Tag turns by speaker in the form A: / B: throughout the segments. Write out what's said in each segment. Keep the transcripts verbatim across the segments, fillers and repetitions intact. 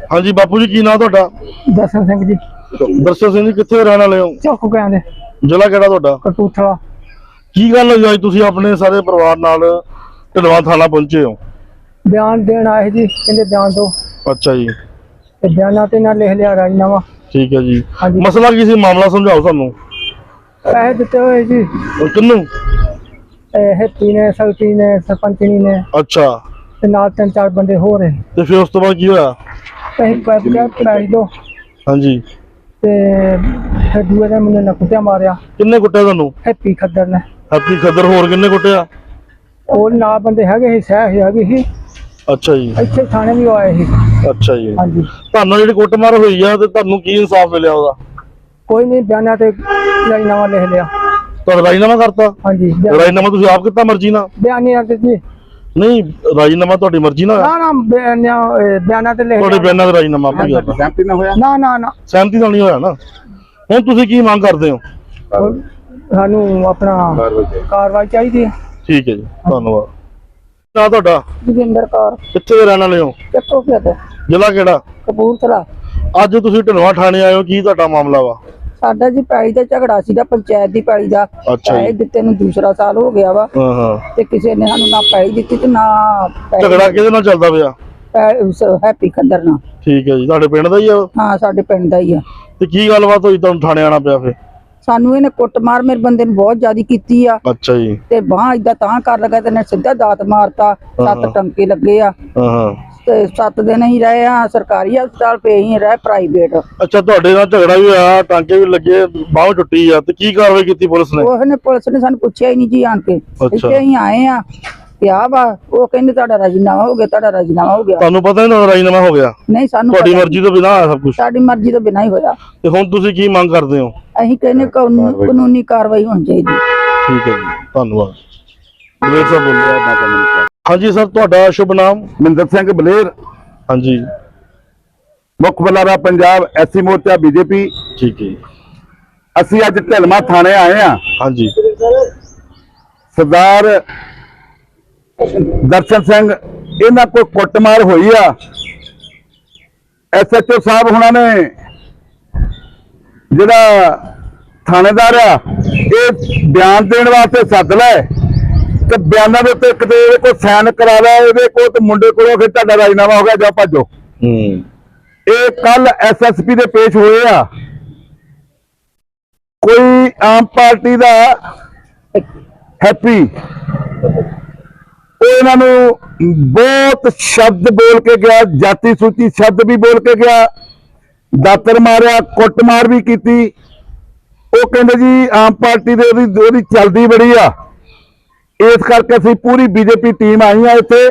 A: हाँ जी बापू जी की नाम तुहाडा?
B: दर्शन सिंह जी।
A: दर्शन सिंह जी कित्थे रहने वाले हो?
B: चौक कहंदे।
A: जिला किहड़ा तुहाडा?
B: कपूरथला।
A: की गल होई अज तुसीं अपने सारे परिवार नाल ढलवां थाना पहुंचे हो?
B: बयान देन आए जी, कहंदे बयान दो। अच्छा जी। ते बयाना ते ना लिख लिया राजीनामा। ठीक है जी। हाँ जी।
A: मसला की सी, मामला समझाओ सानू।
B: पैसे दिते हुए जी।
A: किन्नू?
B: हैप्पी ने, सगती ने, सरपंचनी ने। अच्छा। ते नाल तीन चार बंदे हो रहे। ते फिर उस तो बाद की होया? पैसे पैसे पैसे दो। हाँ जी। ते फिर दूए दिन मैंने ना कुत्तिया मारिया। किन्ने कुट्टिया तुहानू? हैप्पी खद्दर ने। हैप्पी खद्दर, होर किन्ने कुट्टिया? और ना बंदे हैगे ही, सह हैगी ही। अच्छा जी। इत्थे थाने भी आए ही। अच्छा जी। हाँ जी। तुहानू जेहड़ी कुੱਟਮਾਰ होई आ ते तुहानू की इंसाफ मिलिया ओदा? कोई नहीं, बयाना ते राजीनामा लिख लिया। तुहाडा राजीनामा करता? हाँ जी। राजीनामा तुसीं आप कित्ता मर्जी नाल? बयानी आ जी। नहीं, राजीनामा तुहाडी मर्जी नाल? ना ना, बयाना बयाना ते लिख तुहाडे बयाना ते राजीनामा आपे करता? सहमति नाल होया? ना ना ना, सहमति नाल नहीं होया ना। हुण तुसीं की मंग करदे हो? सानू अपना कार्रवाई चाहिदी है। ठीक है जी, धन्यवाद। ना तुहाडा? जोगिंदर कौर। कित्थे दे रहने वाले हो? ਚੱਕੋ ਪਿਆ ਤੇ। ਜ਼ਿਲ੍ਹਾ ਕਿਹੜਾ? ਕਪੂਰਥਲਾ। ਅੱਜ ਤੁਸੀਂ ਢਲਵਾਂ ਥਾਣੇ ਆਏ ਹੋ, ਕੀ ਤੁਹਾਡਾ ਮਾਮਲਾ ਵਾ? ਸਾਡਾ ਜੀ ਪੈਲੀ ਦਾ ਝਗੜਾ ਸੀਗਾ, ਪੰਚਾਇਤ ਦੀ ਪੈਲੀ ਦਾ। ਪੈਸੇ ਦਿੱਤੇ ਨੂੰ ਦੂਸਰਾ ਸਾਲ ਹੋ ਗਿਆ ਵਾ। ਹਾਂ ਹਾਂ। ਤੇ ਕਿਸੇ ਨੇ ਸਾਨੂੰ ਨਾ ਪੈਲੀ ਦਿੱਤੀ ਤੇ ਨਾ। ਝਗੜਾ ਕਿਹਦੇ ਨਾਲ ਚੱਲਦਾ ਪਿਆ? ਹੈਪੀ ਖੱਦਰ ਨਾਲ। ਠੀਕ ਹੈ ਜੀ, ਤੁਹਾਡੇ ਪਿੰਡ ਦਾ ਹੀ ਆ? ਹਾਂ, ਸਾਡੇ ਪਿੰਡ ਦਾ ਹੀ ਆ। ਤੇ ਕੀ ਗੱਲਬਾਤ ਹੋਈ ਤੁਹਾਨੂੰ ਥਾਣੇ ਆਣਾ ਪਿਆ ਫਿਰ? ਸਾਨੂੰ ਇਹਨੇ ਕੁੱਟਮਾਰ ਮੇਰੇ ਬੰਦੇ ਨੂੰ ਬਹੁਤ ਜ਼ਿਆਦਾ ਕੀਤੀ ਆ। ਅੱਛਾ ਜੀ। ਤੇ ਬਾਹ ਇਦਾਂ ਤਾਂ ਕਰ ਲਗਾ ਤੇ ਨੇ ਸਿੱਧਾ ਦਾਤ ਮਾਰਤਾ। ਸੱਤ ਟੰਕੇ ਲੱਗੇ ਆ। ਹਾਂ। ਤੇ ਸੱਤ ਦਿਨ ਹੀ ਰਹੇ ਆ ਸਰਕਾਰੀ ਹਸਪਤਾਲ, ਪਏ ਹੀ ਰਹੇ ਪ੍ਰਾਈਵੇਟ। ਅੱਛਾ, ਤੁਹਾਡੇ ਨਾਲ ਝਗੜਾ ਵੀ ਹੋਇਆ, ਟਾਂਕੇ ਵੀ ਲੱਗੇ, ਬਾਹ ਟੁੱਟੀ ਆ, ਤੇ ਕੀ ਕਾਰਵਾਈ ਕੀਤੀ ਪੁਲਿਸ ਨੇ? ਉਹਨੇ ਪੁਲਿਸ ਨੇ ਸਾਨੂੰ ਪੁੱਛਿਆ ਹੀ ਨਹੀਂ ਜੀ ਆਣ ਕੇ। ਇੱਥੇ ਹੀ ਆਏ ਆ ਪਿਆ ਵਾ। ਉਹ ਕਹਿੰਦੇ ਤੁਹਾਡਾ ਰਾਜੀਨਾਮਾ ਹੋ ਗਿਆ, ਤੁਹਾਡਾ ਰਾਜੀਨਾਮਾ ਹੋ ਗਿਆ। ਤੁਹਾਨੂੰ ਪਤਾ ਨਹੀਂ ਤੁਹਾਡਾ ਰਾਜੀਨਾਮਾ ਹੋ ਗਿਆ? ਨਹੀਂ, ਸਾਨੂੰ ਤੁਹਾਡੀ ਮਰਜ਼ੀ ਤੋਂ ਬਿਨਾਂ ਹੋਇਆ ਸਭ ਕੁਝ? ਸਾਡੀ ਮਰਜ਼ੀ ਤੋਂ ਬਿਨਾਂ ਹੀ ਹੋਇਆ। ਤੇ ਹੁਣ ਤੁਸੀਂ ਕੀ ਮੰਗ ਕਰਦੇ ਹੋ? ਅਸੀਂ ਕਹਿੰਦੇ ਕਾਨੂੰਨੀ ਕਾਰਵਾਈ ਹੋਣੀ ਚਾਹੀਦੀ। ਠੀਕ ਹੈ ਜੀ, ਧੰਨਵਾਦ। ਬਲੇਰ ਸਾਹਿਬ ਬੋਲਿਆ। ਹਾਂਜੀ ਸਰ, ਤੁਹਾਡਾ ਸ਼ੁਭ ਨਾਮ?
C: ਮਹਿੰਦਰ ਸਿੰਘ ਬਲੇਰ।
A: ਹਾਂਜੀ।
C: ਮੁੱਖ ਬੁਲਾਰਾ ਪੰਜਾਬ ਐਸਸੀ ਮੋਰਚਾ ਬੀਜੇਪੀ।
A: ਠੀਕ ਹੈ।
C: ਅਸੀਂ ਅੱਜ ਢਲਵਾਂ ਥਾਣੇ ਆਏ ਆ।
A: ਹਾਂਜੀ।
C: ਸਰਦਾਰ ਦਰਸ਼ਨ ਸਿੰਘ, ਇਹਨਾਂ ਕੋਈ ਕੁੱਟਮਾਰ ਹੋਈ ਆ। ਐਸਐਚਓ ਸਾਹਿਬ ਹੁਣਾਂ ਨੇ ਜਿਹੜਾ ਥਾਣੇਦਾਰ ਆ, ਇਹ ਬਿਆਨ ਦੇਣ ਵਾਸਤੇ ਸੱਦ ਲੈ ਤੇ ਬਿਆਨਾਂ ਦੇ ਉੱਤੇ ਕਿਤੇ ਇਹਦੇ ਕੋਲ ਸਾਈਨ ਕਰਾ ਲੈ, ਇਹਦੇ ਕੋਲ ਤੇ ਮੁੰਡੇ ਕੋਲੋਂ ਫਿਰ ਤੁਹਾਡਾ ਰਾਜੀਨਾਮਾ ਹੋ ਗਿਆ, ਜਾ ਭੱਜੋ। ਹੂੰ। ਇਹ ਕੱਲ ਐਸਐਸਪੀ ਦੇ ਪੇਸ਼ ਹੋਏ ਆ। ਕੋਈ ਆਮ ਪਾਰਟੀ ਦਾ ਹੈਪੀ, ਉਹ ਇਹਨਾਂ ਨੂੰ ਬਹੁਤ ਸ਼ਬਦ ਬੋਲ ਕੇ ਗਿਆ, ਜਾਤੀ ਸੂਚੀ ਸ਼ਬਦ ਵੀ ਬੋਲ ਕੇ ਗਿਆ, ਦਾਤਰ ਮਾਰਿਆ, ਕੁੱਟਮਾਰ ਵੀ ਕੀਤੀ। ਉਹ ਕਹਿੰਦੇ ਜੀ ਆਮ ਪਾਰਟੀ ਦੇ ਉਹਦੀ ਉਹਦੀ ਚੱਲਦੀ ਬੜੀ ਆ, ਇਸ ਕਰਕੇ ਅਸੀਂ ਪੂਰੀ ਬੀਜੇਪੀ ਟੀਮ ਆਈ ਆ ਇੱਥੇ।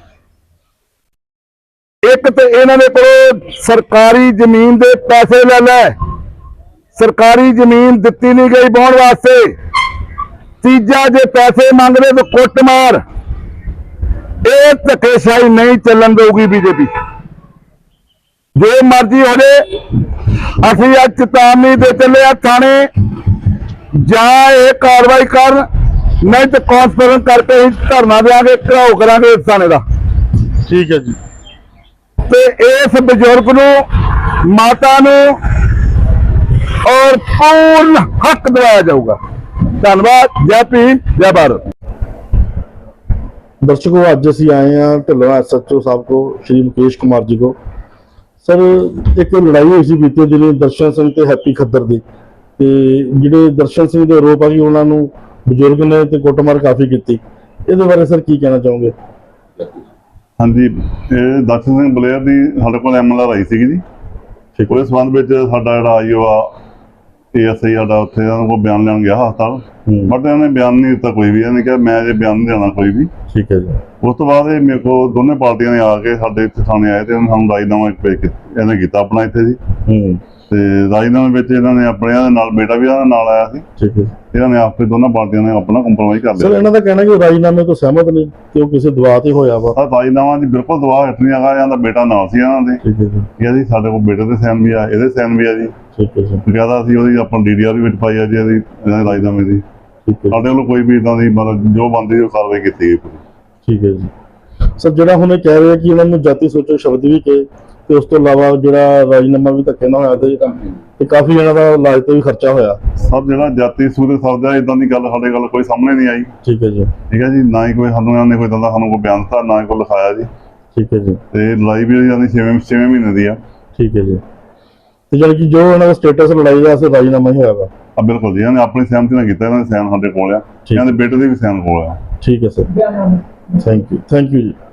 C: ਇੱਕ ਤੇ ਇਹਨਾਂ ਦੇ ਕੋਲ ਸਰਕਾਰੀ ਜ਼ਮੀਨ ਦੇ ਪੈਸੇ ਲੈ ਲੈ, ਸਰਕਾਰੀ ਜ਼ਮੀਨ ਦਿੱਤੀ ਨਹੀਂ ਗਈ ਵਾਹੁਣ ਵਾਸਤੇ। ਤੀਜਾ, ਜੇ ਪੈਸੇ ਮੰਗਦੇ ਤਾਂ ਕੁੱਟਮਾਰ। ਇਹ ਧੱਕੇਸ਼ਾਹੀ ਨਹੀਂ ਚੱਲਣ ਦੇਊਗੀ ਬੀਜੇਪੀ। ਜੋ ਮਰਜ਼ੀ ਹੋ ਜਾਏ, ਅਸੀਂ ਅੱਜ ਚੇਤਾਵਨੀ ਦੇ ਚੱਲੇ ਆ ਥਾਣੇ, ਜਾਂ ਇਹ ਕਾਰਵਾਈ ਕਰਨ, ਨਹੀਂ ਤੇ ਕਾਨਫਰੰਸ ਕਰਕੇ ਹੀ ਧਰਨਾ ਦੇਵਾਂਗੇ, ਘਰਾਓ ਕਰਾਂਗੇ ਇਸ ਥਾਣੇ ਦਾ।
A: ਠੀਕ ਹੈ ਜੀ।
C: ਤੇ ਇਸ ਬਜ਼ੁਰਗ ਨੂੰ, ਮਾਤਾ ਨੂੰ ਔਰ ਪੂਰਨ ਹੱਕ ਦਿਵਾਇਆ ਜਾਊਗਾ। ਧੰਨਵਾਦ। ਜੈ ਭੀਮ, ਜੈ ਭਾਰਤ।
A: दर्शकों, आज असी आए हैं ढिल्लों एस एच ओ साहब को, श्री मुकेश कुमार जी को। सर, एक लड़ाई हुई सी बीते दिन दर्शन सिंह ते हैप्पी खद्दर दी, ते जिहड़े दर्शन सिंह दे आरोप आ कि उन्हां नूं बजुर्ग ने ते कुੱਟਮਾਰ काफी की, इहदे बारे सर की कहना चाहोगे?
D: हाँ जी, दर्शन सिंह बलेर की साडे कोल M L R I C जी। उस संबंध में साडा जिहड़ा आई ओ आ ए एस आई साडा उत्थे कोल बयान लैण गया हस्पताल, बट इन्होंने बयान नहीं दिता कोई भी। इन्हें कहा मैं ये बयान नहीं देना कोई भी। ठीक है जी। उस तो बाद मेरे को दोनों पार्टियां ने आके साडे इत्थे थाने आए ते सानूं राजीनामा इन्हें कीता अपना इत्थे जी। ते राजीनामे विच इन्होंने अपने नाल बेटा भी इन्हां नाल आया सी। ठीक है। इन्होंने आपे दोनों पार्टियां ने अपना कंप्रोमाइज कर लिया।
A: सर, इन्हां दा कहना कि राजीनामे तो सहमत नहीं, कि वो किसी दबाव ते होया वा।
D: राजीनामा जी बिल्कुल दबाव हट नहीं आगा। इन्हां दा बेटा नाल सी इन्हां दे। ठीक है जी। ये जी साडे कोल बेटे दे साइन भी आ, इहदे साइन भी आ जी। ठीक है जी। ज्यादा असीं ओहदी अपनी डी डी आर विच पाई आ जी, इहदी इन्हां दे राजीनामे दी। ਸਾਡੇ ਵੱਲੋਂ ਕੋਈ ਵੀ ਇਦਾਂ ਦੀ ਮਤਲਬ ਜੋ ਬੰਦੀ ਉਹ ਕਾਰਵਾਈ ਕੀਤੀ ਗਈ।
A: ਠੀਕ ਹੈ ਜੀ। ਸਰ, ਜਿਹੜਾ ਹੁਣ ਇਹ ਕਹਿ ਰਹੇ ਕਿ ਉਹਨਾਂ ਨੂੰ ਜਾਤੀ ਸੋਚੋ ਸ਼ਬਦ ਵੀ ਕਹੇ, ਤੇ ਉਸ ਤੋਂ ਇਲਾਵਾ ਜਿਹੜਾ ਰਾਜੀਨਾਮਾ ਵੀ ਧੱਕੇ ਨਾਲ ਹੋਇਆ ਤੇ ਤੇ ਕਾਫੀ ਇਹਨਾਂ ਦਾ ਇਲਾਜ ਤੇ ਵੀ ਖਰਚਾ ਹੋਇਆ।
D: ਸਰ ਜਿਹੜਾ ਜਾਤੀ ਸੂਰਤ ਸਰਦਾ ਇਦਾਂ ਦੀ ਗੱਲ ਸਾਡੇ ਗੱਲ ਕੋਈ ਸਾਹਮਣੇ ਨਹੀਂ ਆਈ।
A: ਠੀਕ ਹੈ ਜੀ।
D: ਠੀਕ ਹੈ ਜੀ, ਨਾ ਹੀ ਕੋਈ ਸਾਨੂੰ ਇਹਨਾਂ ਨੇ ਕੋਈ ਦੰਦਾ ਸਾਨੂੰ ਕੋਈ ਬਿਆਨ ਦਿੱਤਾ, ਨਾ ਹੀ ਕੋਈ ਲਿਖਾਇਆ ਜੀ।
A: ਠੀਕ ਹੈ ਜੀ।
D: ਤੇ ਲੜਾਈ ਵੀ ਜਾਂਦੀ ਛੇਵੇਂ ਛੇਵੇਂ ਮਹੀਨੇ ਦੀ ਆ।
A: ਠੀਕ ਹੈ ਜੀ। ਤੇ ਜਾਣੀ ਕਿ ਜੋ ਇਹਨਾਂ ਦਾ ਸਟੇਟਸ ਲੜਾਈ ਦਾ ਅਸੀਂ ਰਾਜੀਨਾਮਾ ਹੀ ਹੋਇਆ ਵਾ।
D: ਆ ਬਿਲਕੁਲ ਜੀ, ਇਹਨਾਂ ਨੇ ਆਪਣੀ ਸਹਿਮਤੀ ਨਾਲ ਕੀਤਾ, ਇਹਨਾਂ ਦੇ ਸਾਈਨ ਸਾਡੇ ਕੋਲ ਆ, ਇਹਨਾਂ ਦੇ ਬੇਟੇ ਦੇ ਵੀ ਸਾਈਨ ਕੋਲ ਆ।
A: ਠੀਕ ਹੈ sir, thank you thank you ਜੀ।